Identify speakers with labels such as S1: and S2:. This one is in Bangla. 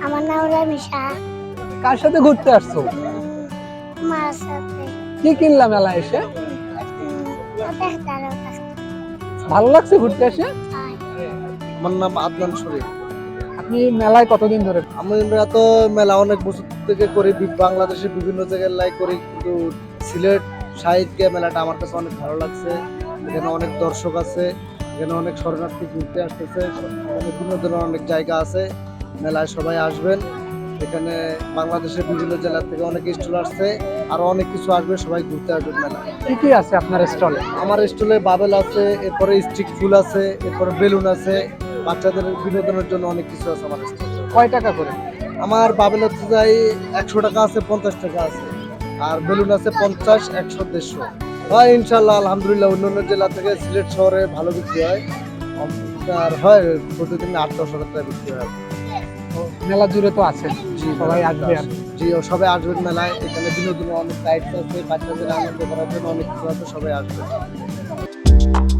S1: আমার নাম রামিশা।
S2: কার সাথে ঘুরতে আসছো?
S1: মার সাথে।
S2: কি কিনলাম মেলায় এসে?
S1: তেহতারের কাছে
S2: ভালো লাগছে ঘুরতে এসে?
S1: হয়।
S3: আমার নাম আদনান শরীফ।
S2: আপনি মেলায় কতদিন ধরে?
S3: আমরা তো মেলা অনেক বছর থেকে করি, বাংলাদেশের বিভিন্ন জায়গায় লাই করি, কিন্তু সিলেট সাহিত্য মেলাটা আমার কাছে অনেক ভালো লাগছে। এখানে অনেক দর্শক আছে, এখানে অনেক শরণার্থী ঘুরতে আসতেছে, অনেক বিনোদনের অনেক জায়গা আছে। মেলায় সবাই আসবেন। এখানে বাংলাদেশের বিভিন্ন জেলা থেকে অনেক স্টল আসছে, আরো অনেক কিছু আসবে, সবাই ঘুরতে আসবেন মেলায়।
S2: কি কি আছে আপনার স্টলে?
S3: আমার স্টলে বাবেল আছে, এরপরে স্টিক ফুল আছে, এরপরে বেলুন আছে, বাচ্চাদের বিনোদনের জন্য অনেক কিছু আছে আমার স্টলে।
S2: কয় টাকা করে?
S3: আমার বাবেল হচ্ছে যাই 100 টাকা আছে, 50 টাকা আছে, আর বেলুন আছে 50, 100, 150। হয় ইনশাল্লাহ, আলহামদুলিল্লাহ অন্যান্য জেলা থেকে সিলেট শহরে ভালো বিক্রি হয়। আর হয় প্রতিদিন 8-10 হাজার টাকা বিক্রি হয়।
S2: তো মেলা জুড়ে তো আছেন,
S3: জি,
S2: সবাই আসবে আর
S3: জি, ও সবাই আসবেন মেলায়। এখানে বিনোদনের অনেক রাইডস আছে, বাচ্চাদের আনন্দ করার জন্য অনেক কিছু আছে, সবাই আসবে।